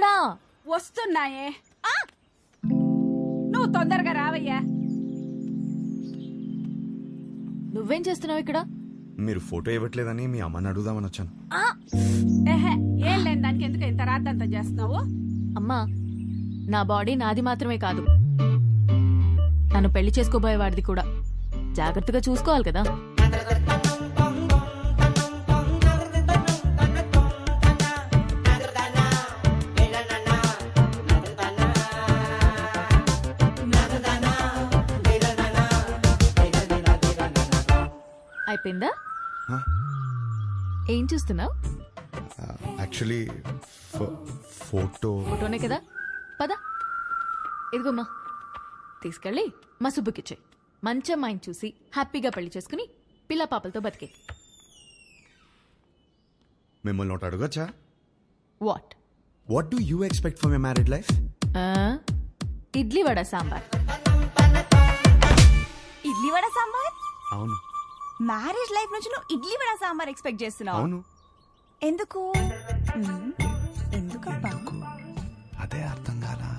ఎక్కడా? వస్తున్నాయే. నువ్వు తొందరగా రావయ్యా. నువ్వేం చేస్తున్నావు ఇక్కడ? మీరు ఫోటో ఇవ్వట్లేదని మీ అమ్మని అడుగుదామని వచ్చాను. ఏం లేని దానికి ఎందుకు ఇంత రాద్దంతా చేస్తున్నావు? అమ్మా, నా బాడీ నాది మాత్రమే కాదు, నన్ను పెళ్లి చేసుకోబోయేవాడిది కూడా. జాగ్రత్తగా చూసుకోవాలి కదా. అయిపోయిందా? ఏం చూస్తున్నావు? యాక్చువల్లీ ఫోటోనే కదా. పద, ఇదిగోమ్మా, తీసుకెళ్ళి మా సుబ్బుకిచ్చే. మంచి అమ్మాయిని చూసి హ్యాపీగా పెళ్లి చేసుకుని పిల్ల పాపలతో బతికే. మిమ్మల్ని ఒకటి అడగచ్చా? What do you expect for my married life? Idli vada sambar. Idli vada sambar? అవును. మ్యారేజ్ లైఫ్ నుంచి నువ్వు ఇడ్లీ వడ సాంబార్ ఎక్స్పెక్ట్ చేస్తున్నావు? అవును. ఎందుకు? ఎందుకబ్బా? అదే అర్థం కాలా.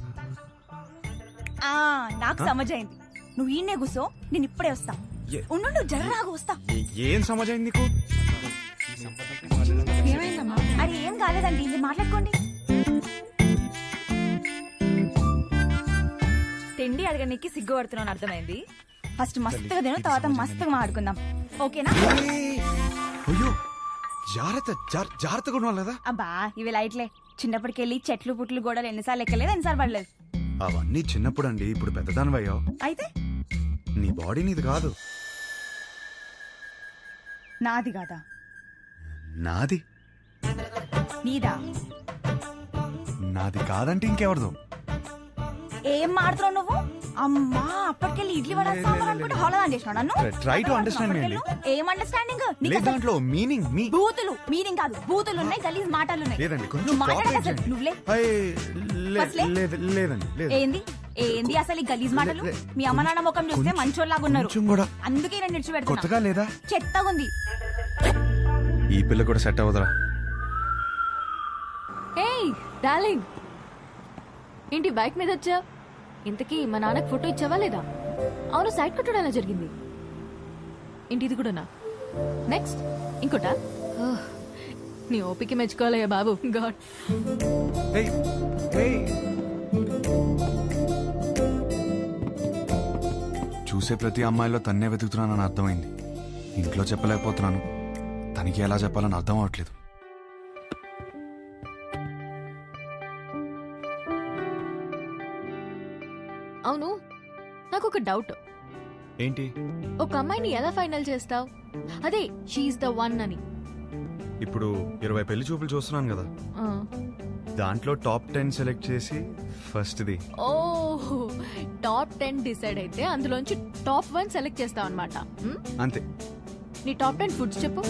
నాకు సమజైంది. నువ్వు ఈయనే కూసో, నేను ఇప్పుడే వస్తా. ఉండు, జర్రాగా వస్తా. ఏం సమజైంది నీకు? ఏమైందమ్మా? అరే ఏం కాలేదండి, ఇది మాట్లాడుకోండి. తిండి అడగడానికి సిగ్గుపడుతున్నాను, అర్థమైంది. ఫస్ట్ మస్తుగా తిను, తర్వాత మస్తుగా మాట్లాడుకుందాం, ఓకేనా? అయ్యో, జాగ్రత్తగా ఉండాలి కదా. అబ్బా ఇవి లైట్లే. చిన్నప్పటికెళ్ళి చెట్లు పుట్లు గోడలు ఎన్నిసార్లు ఎక్కలేదు, ఎన్నిసార్లు పడలేదు. అవన్నీ చిన్నప్పుడు అండి, ఇప్పుడు పెద్దదానివయ్యావు. అయితే నీ బాడీ నీది కాదు. నాది కాదా? నాది. నీదా? నాది కాదంటే ఇంకెవరిదో. ఏం మాడుతున్నావు నువ్వు? అమ్మా, అప్పటికెళ్ళి ఇడ్లీ వడ సాంబార్ అనుకుంటే హోళదాన్ చేసినావు నన్ను. Try to understand me అండి. ఏం అండర్స్టాండింగ్? లేదు, దాంట్లో మీనింగ్ బూతులు మీనింగ్ కాదు, బూతులు ఉన్నాయి, గలీజ్ మాటలు ఉన్నాయి. లేదండి, కొంచెం నువ్వు మాట్లాడక cooperate అసలు చేయండి. నువ్వులే. లేదండి, లేదు. ఏంది ఏంది అసలు ఈ గలీజ్ మాటలు? మీ అమ్మ నాన్న ముఖం చూస్తే మంచోళ్ళలాగా ఉన్నారు, కొంచెం కూడా. అందుకే నేను నిడిచిపెడుతున్నా. కొత్తగా లేదా? చెత్తగా ఉంది. ఈ పిల్ల కూడా సెట్ అవ్వదురా. ఏయ్ డార్లింగ్, ఏంటి బైక్ మీద వచ్చా? ఇంతకీ మా నాన్నకు ఫోటో ఇచ్చావా లేదా? అవును, సైడ్ కట్టడం ఎలా జరిగింది? ఏంటి ఇది కూడానా? నెక్స్ట్ ఇంకోటా? నీ ఓపిక మెచ్చుకోవాలయ్యా బాబు. గాడ్. చూసే ప్రతి అమ్మాయిలో తన్నే వెతుకుతున్నానని అర్థమైంది. ఇంట్లో చెప్పలేకపోతున్నాను, తనకి ఎలా చెప్పాలని అర్థం అవట్లేదు. అవును, నాకు ఒక డౌట్. ఏంటి? ఒక అమ్మాయిని ఎలా ఫైనల్ చేస్తావు? అదే షీఈస్ ద వన్ అని. ఇప్పుడు 20 పెళ్లి చూపులు చూస్తున్నాను కదా, దాంట్లో టాప్ 10 సెలెక్ట్ చేసి ఫస్ట్ది. ఓ, టాప్ 10 డిసైడ్ అయితే అందులోంచి టాప్ 1 సెలెక్ట్ చేస్తావు అనమాట. అంతే. నీ టాప్ 10 ఫుడ్స్ చెప్పు.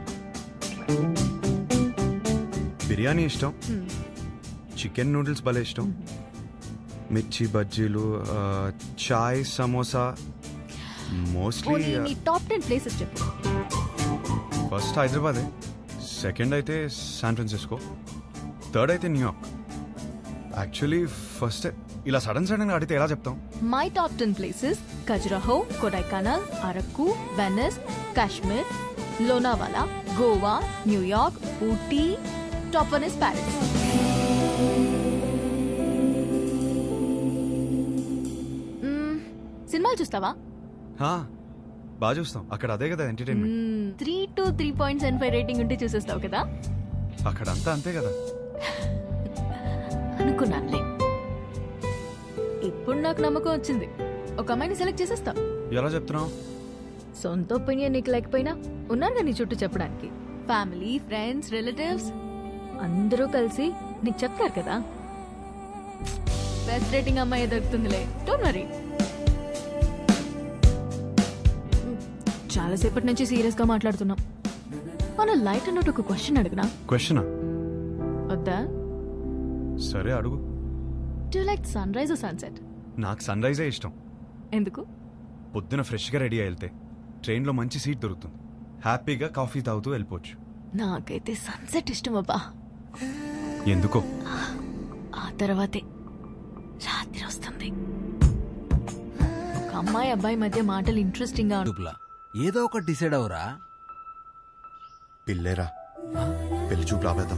బిర్యానీ ఇష్టం, చికెన్ నూడిల్స్ భలే ఇష్టం, మిర్చి బజ్జీలు, చాయ్, సమోసా. మోస్ట్లీ నీ టాప్ 10 ప్లేసెస్ చెప్పు. ఫస్ట్ హైదరాబాదే, సెకండ్ అయితే శాన్ ఫ్రాన్సిస్కో, థర్డ్ అయితే న్యూయార్క్. యాక్చువల్లీ ఫస్ట్ ఇలా సడన్ గా అడిగితే ఎలా చెప్తాం? My top 10 places: Khajuraho, Kodaikanal, Araku, Venice, Kashmir, Lonavala, Goa, New York, Ooty. Top 1 is Paris. సినిమాలు చూస్తావా? బాగా చూస్తాం, అక్కడ అదే కదా ఎంటర్టైన్మెంట్. 3 to 3.75 రేటింగ్ ఉంటే చూసేస్తావు కదా. అక్కడ అంతా అంతే కదా. అనుకున్నానులే. ఇప్పుడు నాకు నమ్మకం వచ్చింది, ఒక అమ్మాయిని సెలెక్ట్ చేసేస్తావు. ఎలా చెప్తున్నావు? సొంత ఒపీనియన్ నీకు లేకపోయినా ఉన్నారుగా నీ చుట్టూ చెప్పడానికి. ఫ్యామిలీ, ఫ్రెండ్స్, రిలేటివ్స్ అందరూ కలిసి నీకు చెప్తారు కదా. బెస్ట్ రేటింగ్ అమ్మాయి దొరుకుతుందిలే, డోంట్ వరీ. చాలాసేపటి నుంచి సీరియస్ గా మాట్లాడుతున్నాం. మన లైట్ అన్నట్టు ఒక క్వశ్చన్ అడిగినా? క్వశ్చనా? వద్దా? సరే అడుగు. Do you like sunrise or sunset? నాకు సన్ రైజే ఇష్టం. ఎందుకు? పొద్దున ఫ్రెష్గా రెడీ అయి వెళ్తే ట్రైన్లో మంచి సీట్ దొరుకుతుంది, హ్యాపీగా కాఫీ తాగుతూ వెళ్ళిపోవచ్చు. నాకైతే సన్సెట్ ఇష్టం అబ్బా. ఎందుకో? ఆ తర్వాతే రాత్రి వస్తుంది. ఒక అమ్మాయి అబ్బాయి మధ్య మాటలు ఇంట్రెస్టింగ్ గా చూపులా ఏదో ఒకటి డిసైడ్ అవరా. పిల్లేరా, పెళ్లి చూపు ఆపేద్దాం.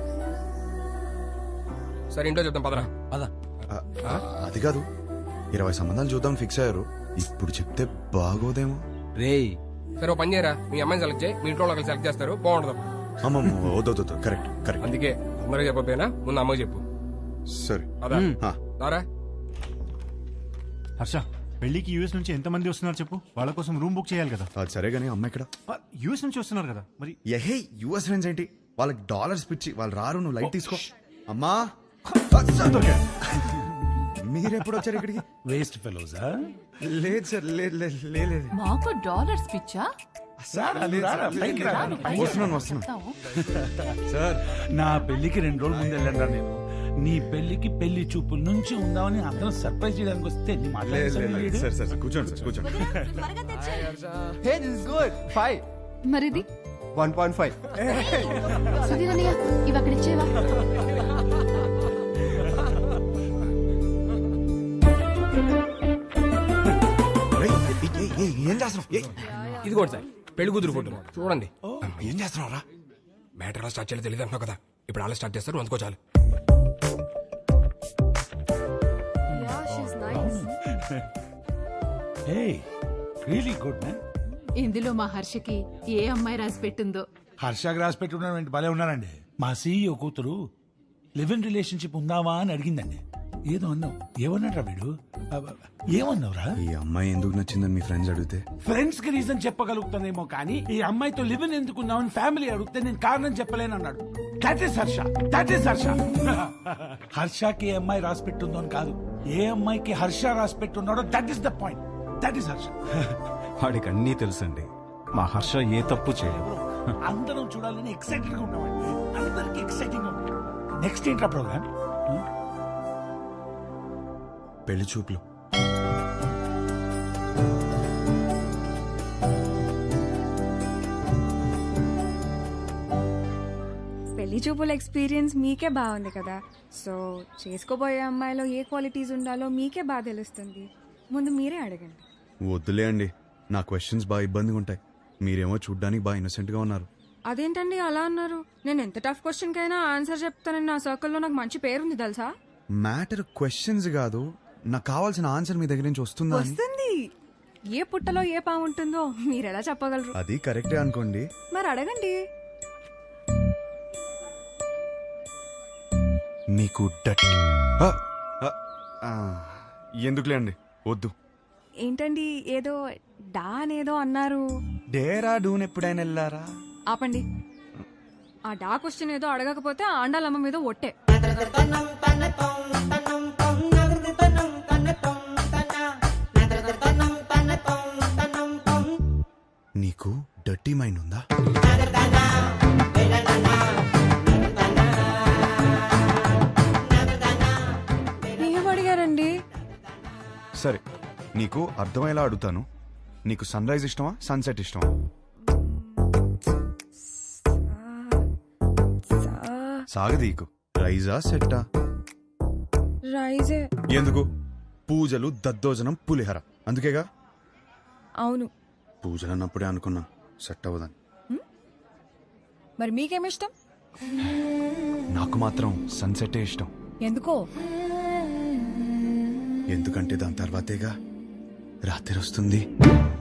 సరే ఇంట్లో చెప్తాం పదరా. పద. అది కాదు, 20 సంబంధాలు చూద్దాం ఫిక్స్ అయ్యారు. ఇప్పుడు చెప్తే బాగోదేమో. రేయ్ సరే ఓ పని చేయరా, మీ అమ్మాయిని సెలెక్ట్ చేయి, మీ ఇంట్లో వాళ్ళకి సెలెక్ట్ చేస్తారు, బాగుంటుంది. అమ్మమ్మ వద్దు, కరెక్ట్ కరెక్ట్. అందుకే అందరూ చెప్పకపోయినా ముందు అమ్మకి చెప్పు. సరే అదా ఆ, దారా. హర్ష, పెళ్లికి యూఎస్ నుంచి ఎంతమంది వస్తున్నారు చెప్పు. వాళ్ళ కోసం రూమ్ బుక్ చేయాలి కదా. అది సరే గానీ అమ్మ ఇక్కడ. యూఎస్ నుంచి వస్తున్నారు కదా మరి. ఎహే యుఎస్ ఫ్రెండ్స్ ఏంటి, వాళ్ళకి డాలర్స్ పిచ్చి, వాళ్ళు రారు. నువ్వు లైట్ తీసుకో. అమ్మా మీరెప్పుడు వచ్చారు ఇక్కడికి? వేస్ట్ ఫెలోజా. లేదు సార్, లేదు. మాకు డాలర్స్ పిచ్చా? వస్తున్నాను సార్. నా పెళ్లికి 2 రోజులు ముందు వెళ్ళండి నేను. నీ పెళ్లికి పెళ్లి చూపుల నుంచి ఉందామని అందరం సర్ప్రైజ్ చేయడానికి వస్తే నీ మాట్లాడలేదు. సార్ కూర్చోండి సార్, కూర్చోండి. Hey, this is good. 5. మరిది 1.5. సుధీరన్నయ్య ఇవి అక్కడ ఇచ్చేవా? ఏం చేస్తున్నావు? ఇది కూడా సార్ పెళ్లి కూతురు ఫోటో చూడండి. ఏం చేస్తున్నావురా? మ్యాటర్ ఎలా స్టార్ట్ చేయాలో తెలియదు అంటున్నావు కదా, ఇప్పుడు అలా స్టార్ట్ చేస్తారు, అందుకో చాలు. Hey, really good man. ఇందులో మా హర్షకి ఏ అమ్మాయి రాసి పెట్టిందో. హర్షకి రాసి పెట్టుకున్నాడు, భలే ఉన్నారండి. మా సీఈఓ కూతురు లివ్ ఇన్ రిలేషన్షిప్ ఉందావా అని అడిగిందండి. ఏదో అన్నావు. ఏమన్నాడ్రా వీడు? ఏమన్నావురా? ఈ అమ్మాయి ఎందుకు నచ్చిందని మీ ఫ్రెండ్స్ అడిగితే ఫ్రెండ్స్ కి రీజన్ చెప్పగలుగుతానేమో కానీ ఈ అమ్మాయితో లివ్ ఇన్ ఎందుకున్నావని ఫ్యామిలీ అడిగితే నేను కారణం చెప్పలేను అన్నాడు. That is Harsha. హర్షకి ఏ అమ్మాయి రాసి పెట్టుందో అని కాదు, ఏ అమ్మాయికి హర్ష రాసి పెట్టున్నాడో that is the point. That is Harsha. వాడికి అన్నీ తెలుసండి. మా హర్ష ఏ తప్పు చేయదు. అందరం చూడాలని ఎక్సైటెడ్ గా ఉన్నామండి. అందరికి ఎక్సైటింగ్ గా ఉంది. నెక్స్ట్ ఏంట్రా ప్రోగ్రామ్? పెళ్లి చూపులు. పెళ్లి చూపుల ఎక్స్పీరియన్స్ మీకే బాగుంది కదా, సో చేసుకోబోయే అమ్మాయిలో ఏ క్వాలిటీస్ ఉండాలో మీకే బాగా తెలుస్తుంది. ముందు మీరే అడగండి. వద్దులే అండి, నా క్వశ్చన్స్ బాగా ఇబ్బందిగా ఉంటాయి. మీరేమో చూడ్డానికి బాగా ఇన్నోసెంట్ గా ఉన్నారు. అదేంటండి అలా అన్నారు? నేను ఎంత టఫ్ క్వశ్చన్ కైనా ఆన్సర్ చెప్తానని నా సర్కిల్లో నాకు మంచి పేరుంది తెలుసా. మ్యాటర్ క్వశ్చన్స్ కాదు, నాకు కావాల్సిన ఆన్సర్ మీ దగ్గర నుంచి వస్తుందా అని. వస్తుంది. ఏ పుట్టలో ఏ పాము ఉంటుందో మీరెలా చెప్పగలరు? అది కరెక్టే అనుకోండి. మరి అడగండి. మీకు ఎందుకులే అండి, వద్దు. ఏంటండి ఏదో డా అనేదో అన్నారు? డేరా డూన్ ఎప్పుడైనా వెళ్ళారా? ఆపండి. ఆ డా క్వశ్చన్ ఏదో అడగకపోతే ఆండాలమ్మ మీద ఒట్టే. నీకు డర్టీ మైండ్ ఉందా? ఏం అడిగారండి? సరే, నీకు అర్థమయ్యేలా అడుగుతాను. నీకు సన్ రైజ్ ఇష్టమా, సన్సెట్ ఇష్టమా? సాగదీకు. రైజా సెట్టా? రైజే. ఎందుకు? పూజలు, దద్దోజనం, పులిహర, అందుకేగా. అవును. పూజలు అన్నప్పుడే అనుకున్నా సెట్ అవ్వదని. మరి మీకేమిష్టం? నాకు మాత్రం సన్సెట్టే ఇష్టం. ఎందుకో? ఎందుకంటే దాని తర్వాతేగా రాత్రి వస్తుంది.